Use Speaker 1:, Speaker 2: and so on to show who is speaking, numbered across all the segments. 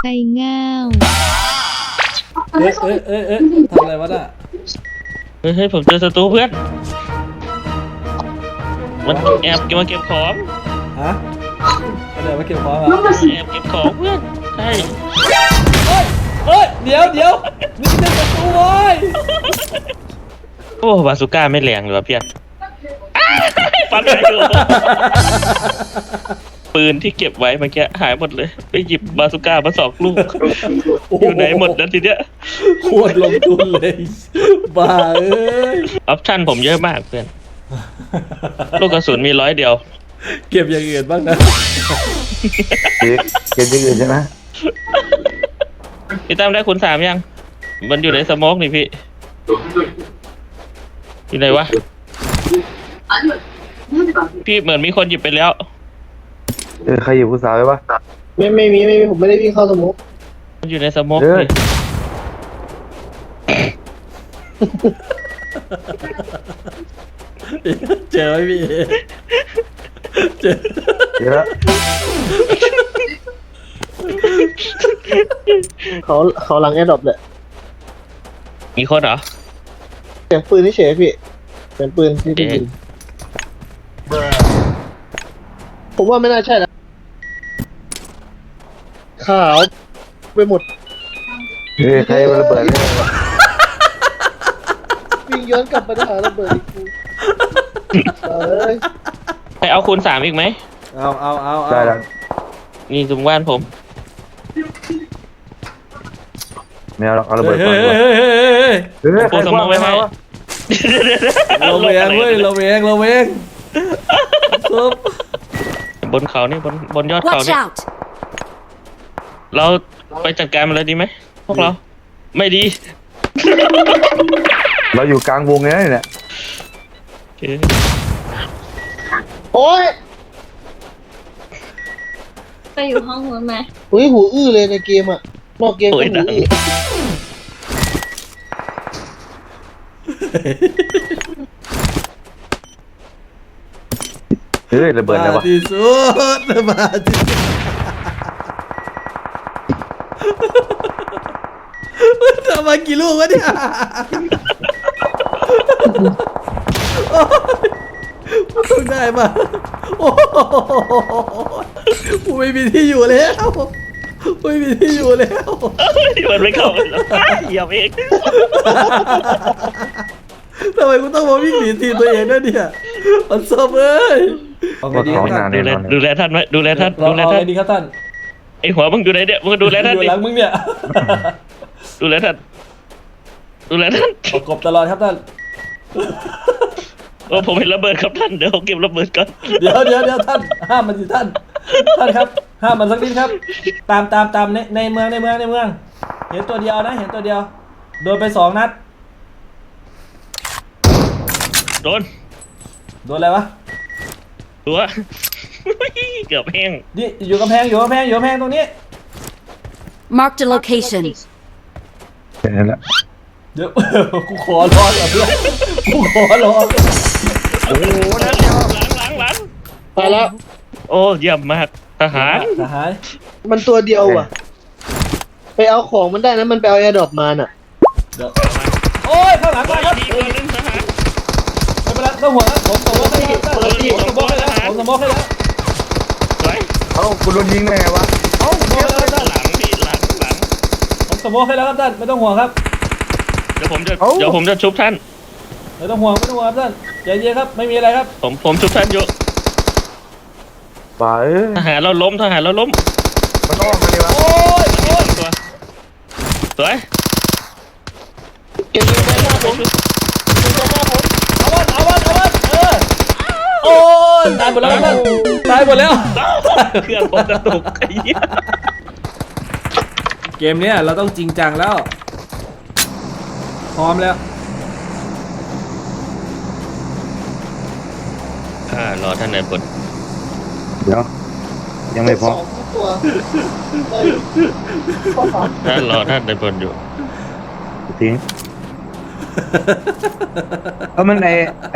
Speaker 1: ไก่ง่าว
Speaker 2: ทำอะไรวะน่ะ
Speaker 3: เฮ้ยผมเจอศัตรูเพื่อนมันแอบมาเก็บของ
Speaker 2: ฮะอะไรมาเก็บของเหรอ
Speaker 3: แอบเก็บของเพื่อนใช่
Speaker 2: เดี๋ยวนี่เป็นประตูเว้ย
Speaker 3: โอ้บาซูก้าไม่แรงเลยว่ะเพื่อนฟันไหนดูปืนที่เก็บไว้เมื่อกี้หายหมดเลยไปหยิบบาซูก้ามา2 ลูกอยู่ไหนหมดนะทีเนี้ย
Speaker 2: โคตรลงทุนเลยบ้าเอ้ย
Speaker 3: ออปชั่นผมเยอะมากเพื่อนลูกกระสุนมี100 เดียว
Speaker 2: เก็บอย่างอื่นบ้างนะ
Speaker 4: เกมยังอื่นใช่ไหม
Speaker 3: พี่ตั้มได้คูณ 3ยังมันอยู่ในสโมกนี่พี่อยู่ไหนวะพี่เหมือนมีคนหยิบไปแล้ว
Speaker 4: ใครอยู่ผู้สาวไว้ปะ
Speaker 5: ไม่มีผมไม่ได้วิ่งเข้าสมุก
Speaker 3: มันอยู่ในสโมก
Speaker 4: เฮ้ย
Speaker 3: นี่
Speaker 2: เจอไหมพี่เจอ
Speaker 4: เดี๋ยวละ
Speaker 5: เขาหลังแอร์ดรอปเลย
Speaker 3: มีคนเหรอ
Speaker 5: เสียงปืนนี่เฉยพี่เสียงปืนที่ได้ยินผมว่าไม่น่าใช่นะขาวไปหมด
Speaker 4: ใครมาระเบิดเนี่ย
Speaker 5: วิ่งย้อนกลับไปหาระเบิดอีกทีเอ้ย
Speaker 3: ไปเอาคูณ 3อีกไหม
Speaker 2: เอา
Speaker 4: ได้แล้ว
Speaker 3: นี่จุ่มว่านผม
Speaker 4: ไม่เอาหรอกเอาระเบิด
Speaker 2: เฮ้
Speaker 4: ก่อน
Speaker 2: ย
Speaker 4: ดีกว่าเฮ้ย
Speaker 3: ผม
Speaker 4: ใคร
Speaker 3: ส
Speaker 4: ค
Speaker 3: ม
Speaker 4: ว้า
Speaker 3: อง
Speaker 4: ง
Speaker 3: ไว้
Speaker 4: ไว้
Speaker 3: ให้
Speaker 4: วะ
Speaker 2: เราเวงเว้ยเราเวงซุป
Speaker 3: บนเขานี่บนยอดเขา
Speaker 1: Watch
Speaker 3: นี่
Speaker 1: out
Speaker 3: เราไปจัดการมันเลยดีไหมพวกเรา ไม่ดี
Speaker 4: เราอยู่กลางวงเลยนะเนี่ย
Speaker 3: โอเค
Speaker 5: โอ้ย
Speaker 6: ไปอยู่ห้องนู้นไหม
Speaker 5: อุ้ยหูอื้อเลยในเกมอ่ะนอกเกมก็หูอื้อ
Speaker 4: เฮ้ยระเบิดอะไรวะ
Speaker 2: ที่สุดมาที่สุดทำมากี่ลูกวะเนี่ยโอ้ยต้องได้มาโอ้โหกูไม่มีที่อยู่แล้วไม่มีที่อยู่แล้ว
Speaker 3: มันไม่เข้ามันแล้วเหยียบเอง
Speaker 2: ทำไมกูต้องมาวิ่งหนีทีมตัวเองด้วยเนี่ยมันซบเอ้ย
Speaker 4: ว่าเขานาน
Speaker 3: ดู
Speaker 4: แน่
Speaker 3: แล
Speaker 4: นอน
Speaker 3: ดูแลท่านไหมดูแลท่าน
Speaker 2: เรา
Speaker 3: ดูแล
Speaker 2: เอา
Speaker 3: ท่า
Speaker 2: ไง
Speaker 3: น
Speaker 2: ดีครับท่าน
Speaker 3: ไอหัวมึงอยู่ไหนเนี่ยมึงดูแลท่าน
Speaker 2: อยู่
Speaker 3: ดิ
Speaker 2: หลังมึงเนี่ย
Speaker 3: ดูแลท่านดูแลท่าน
Speaker 2: ประกบตลอดครับท่าน
Speaker 3: โอ้ผมเห็นระเบิดครับท่านเดี๋ยวผมเก็บระเบิดก่อน
Speaker 2: เดี๋ยวท่านห้ามมันสิท่านครับห้ามมันสักนิดครับ ตามในเมืองเห็นตัวเดียวนะเห็นตัวเดียวโดนไป2 นัด
Speaker 3: โดน
Speaker 2: โดนอะไรวะ
Speaker 3: ตัว เกือบแห้ง
Speaker 2: นี่อยู่กำแพงตรงนี้
Speaker 1: Marked a location
Speaker 4: เห็นแล้ว
Speaker 2: เดี๋ยว กูขอรอก่อนเพื่อนกูขอรอ
Speaker 3: โอ้โหนั่นหลัง
Speaker 5: ไปแล้ว
Speaker 3: โอ้เยี่ยมมากทหาร
Speaker 2: ทหาร
Speaker 5: มันตัวเดียวอ่ะ ไปเอาของมันได้นะมันไปเอาแอร์ดรอปมาน่ะ
Speaker 2: เดี๋ยวโอ้ยข้างหลังมาครับ
Speaker 3: ดีกว่านึงทหาร
Speaker 2: ไม่เป็นไรต้องห่วงนะผมสมมติให้แล้วผมสมมติให้แล้ว
Speaker 3: สวย
Speaker 4: เอ้าคุณโดนยิงได้ไงวะเอ้า
Speaker 3: หลังพี่หลัง
Speaker 2: ผมสมมติให้แล้วครับท่านไม่ต้องห่วงครับ
Speaker 3: เดี๋ยวผมจะชุบท่าน
Speaker 2: ไม่ต้องห่วงครับท่านใจเย็นครับไม่มีอะไรครับ
Speaker 3: ผมชุบท่านอยู่
Speaker 4: บ้าเอ้ย
Speaker 3: ทหารเราล้ม
Speaker 4: มันอ้อมมาเลยวะ
Speaker 2: โอ้ย
Speaker 3: ตัวสวย
Speaker 5: เก็บเงินไปหน้าผมเก็บเงินไปหน้าผม
Speaker 2: เอาวันโอ้ยตายหมดแล้วครับท่านตายหมดแล้ว
Speaker 3: เครื่องผมกระตุกไอ้เหี้ย
Speaker 2: เกมเนี้ยเราต้องจริงจังแล้วพร้อมแล้ว
Speaker 3: รอท่านนายพล
Speaker 4: เดี๋ยวยังไม่พอ
Speaker 5: สองตัวได้ข้อสาม
Speaker 3: รอท่านนายพลอยู่
Speaker 4: ทิ้งเอามันไอ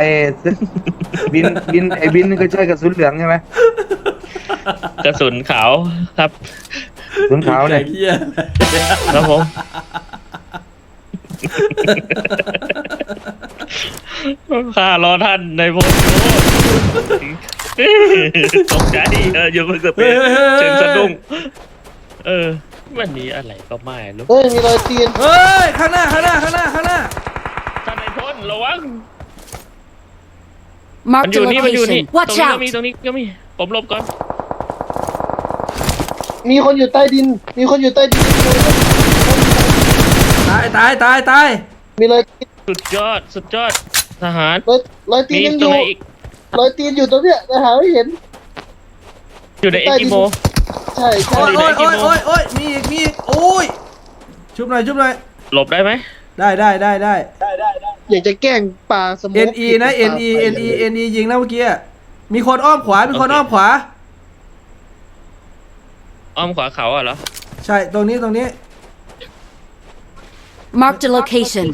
Speaker 4: บินนี่ก็ใช่กระสุนเหลืองใช่ไหม
Speaker 3: กระสุนขาวครับ
Speaker 4: ถุงขาวเนี่ย
Speaker 2: ไอ้เหี้ย
Speaker 3: ครับผมข้ารอท่านในโพสต์ตกใจอยู่เพิ่งสเปนเชิงสะดุ้งวันนี้อะไรก็ไม่รู้
Speaker 5: เฮ้ยมีรอยตีน
Speaker 2: เฮ้ยข้างหน้าข้างหน้าข้างหน้าข้างหน้า
Speaker 3: ท่านในพ้นระวัง มัน
Speaker 1: Marked
Speaker 3: อ
Speaker 1: a
Speaker 3: ยู่นี่มันอยู่นี่
Speaker 1: location. Watch
Speaker 3: ต
Speaker 1: out!
Speaker 3: รงนี้ก็มีผมหลบก่อน
Speaker 5: มีคนอยู่ใต้ดิน มีคนอยู่ใต้ดิน
Speaker 2: ตายตายตายตาย
Speaker 5: มีรอยตีน
Speaker 3: สุดยอดทหาร
Speaker 5: รอยตี
Speaker 3: มี
Speaker 5: นยังอ
Speaker 3: ตรง
Speaker 5: ยู่
Speaker 3: ไหนอีก
Speaker 5: รอยตีนอยู่ตรงเนี้ยแต่หาไม่เห็น
Speaker 3: อยู่ในเอ็กกิโม
Speaker 5: ใช่ใช่
Speaker 2: โอ้ยโอ้ยโอ้ยโอ้ยโอ้ยมีอีกมีอีกโอ้ยชุบหน่อยชุบหน่อย
Speaker 3: หลบได้ไหม
Speaker 2: ได้ได้ได้ได้
Speaker 5: อยากจะแกล้งปลาสมุ
Speaker 2: NE นะ NE NE NE ยิงนะเมื่อกี้อะมีคนอ้อมขวามีคนอ้อมขวา
Speaker 3: อ้อมขวาเขาเหรอ
Speaker 2: ใช่ตรงนี้ตรงนี้
Speaker 1: Marked a location.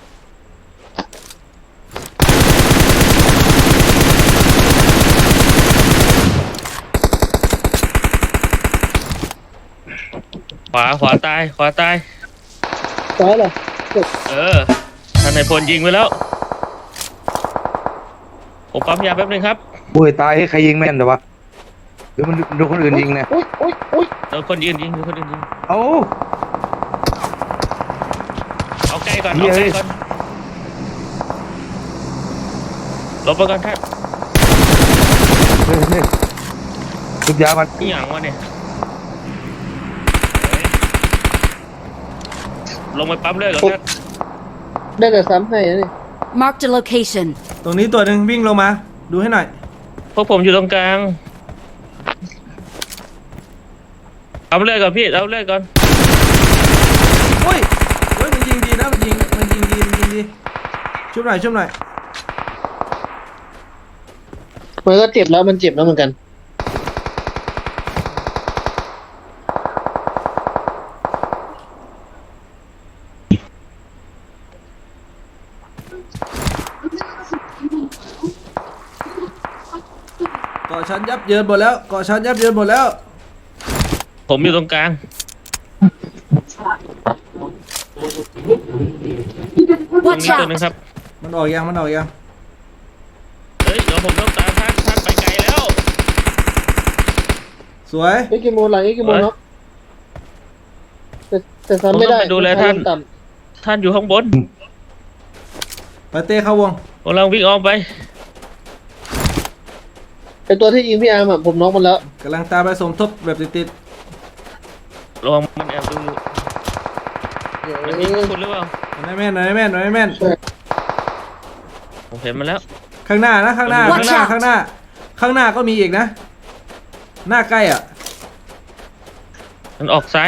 Speaker 3: ขวาตาย
Speaker 5: ซ้ายเหรอ
Speaker 3: ท่านในพลยิงไปแล้ว ผมปั๊มยาแป๊บนึงครับ
Speaker 4: โอ้ยตายให้ใครยิงแม่นแต่วะหรือมันโดนคนอื่นยิงเนี่ย
Speaker 5: อุ้ยอุ้ยอุ้ย
Speaker 3: โดนคนยืนยิง
Speaker 4: เอ้า
Speaker 3: เอาใกล้ก่อน
Speaker 4: เหี้ย
Speaker 3: หลบไปก่อนท่าน
Speaker 4: เฮ้ยเฮ้ยทุบยามัน
Speaker 3: นี่อย่างวะเนี่ยลงไปปั๊มเลือดก่อนท่าน
Speaker 5: ได้แต่ซ้ำให้นะนี่
Speaker 1: Marked a location.
Speaker 2: ตรงนี้ตัวหนึ่งวิ่งลงมาดูให้หน่อย
Speaker 3: พวกผมอยู่ตรงกลางปั๊มเลือดก่อนพี่เอาเลือดก่อน
Speaker 2: โอ้ยเฮ้ยมันยิงดีนะมันยิงดีชุบหน่อยชุบหน่อย
Speaker 5: มันก็เจ็บแล้วมันเจ็บแล้วเหมือนกัน
Speaker 2: เกาะชั้นยับเยินหมดแล้วเกาะชั้นยับเยินหมดแล้ว
Speaker 3: ผมอยู่ตรงกลาง
Speaker 1: Watch
Speaker 3: ตัวหนึง
Speaker 1: out!
Speaker 3: ครับ
Speaker 2: มันออกยังมันออกยัง
Speaker 3: เฮ้ยเดี๋ยวผมต้องตามท่านไปไกลแล้ว
Speaker 2: สวย
Speaker 5: เอ็กกิโมหลังเอ็กกิโมเนาะแต่ซ้ำไม่ได้
Speaker 3: ผมต้องไปดูแลท่าน
Speaker 5: ต่
Speaker 3: ท่านอยู่ข้างบน
Speaker 2: ไปเต้เข้าวง
Speaker 3: กำลังวิ่งอ้อมไป
Speaker 5: ำไอตัวที่ยิงพี่อาร์มอะผมน็อกมันแล้ว
Speaker 2: กำลังตามไปสมทบแบบติด
Speaker 3: ระวังมันแอบดูมันยิงคุณหรือเปล่า
Speaker 2: ๆหน่อยแม่นหน่อยแม่นหน่อยแม่น
Speaker 3: ผมเห็นมันแล้ว
Speaker 2: ข้างหน้านะข้างหน้า
Speaker 1: Watch
Speaker 2: ข้างหน้า
Speaker 1: out
Speaker 2: ข้างหน้าก็มีอีกนะ หน้าใกล้อ่ะ
Speaker 3: มันออกซ้าย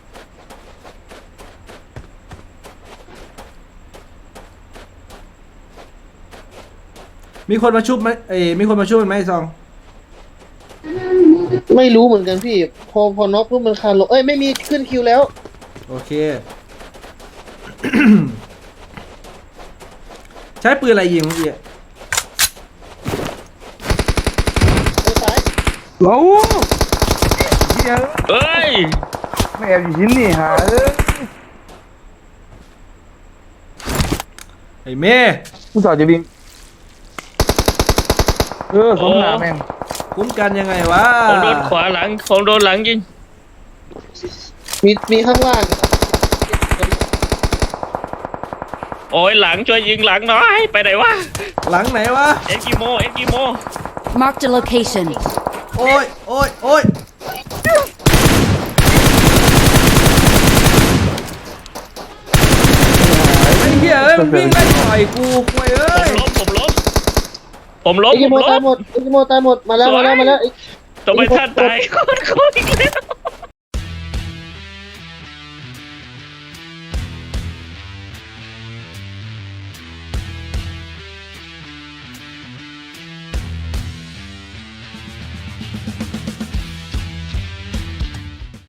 Speaker 2: มีคนมาชุบไหมมีคนมาชุบมันไหมไอ้ซอง
Speaker 5: ไม่รู้เหมือนกันพี่ พอน็อกปุ๊บมันคานลงเอ้ยไม่มีขึ้นคิวแล้ว
Speaker 2: โอเค ใช้ปืนอะไรยิงเมื่อกี้
Speaker 5: ไปซ้าย
Speaker 4: โอ้เหี้ย
Speaker 3: เอ้ย
Speaker 4: ไม่แอบอยู่หินนี่หาเอ้ย
Speaker 2: ไอ้เม่
Speaker 4: ผู้สาวจะวิ่งสมหนาแม่ง
Speaker 2: คุ้มกันยังไงวะ
Speaker 3: ผมโดนขวาหลังผมโดนหลังยิง
Speaker 5: มีข้างล่าง
Speaker 3: โอ้ยหลังช่วยยิงหลังหน่อยไปไหนวะ
Speaker 2: หลังไหนวะ
Speaker 3: เอ็กกิโม
Speaker 1: Marked a location.
Speaker 2: โอ้ยโอ้ยโอ้ยไอ้เหี้ยเอ้ยมันวิ่งไล่ต่อยกูควยเอ้ย
Speaker 3: ผมล้ม
Speaker 5: เอ็กกิโมตายหมดเอ็กกิโมตายหมดมาแล้ว
Speaker 3: สวย
Speaker 5: มาแล้ว
Speaker 3: ทำไมท่านตายโคตรอีกแล้ว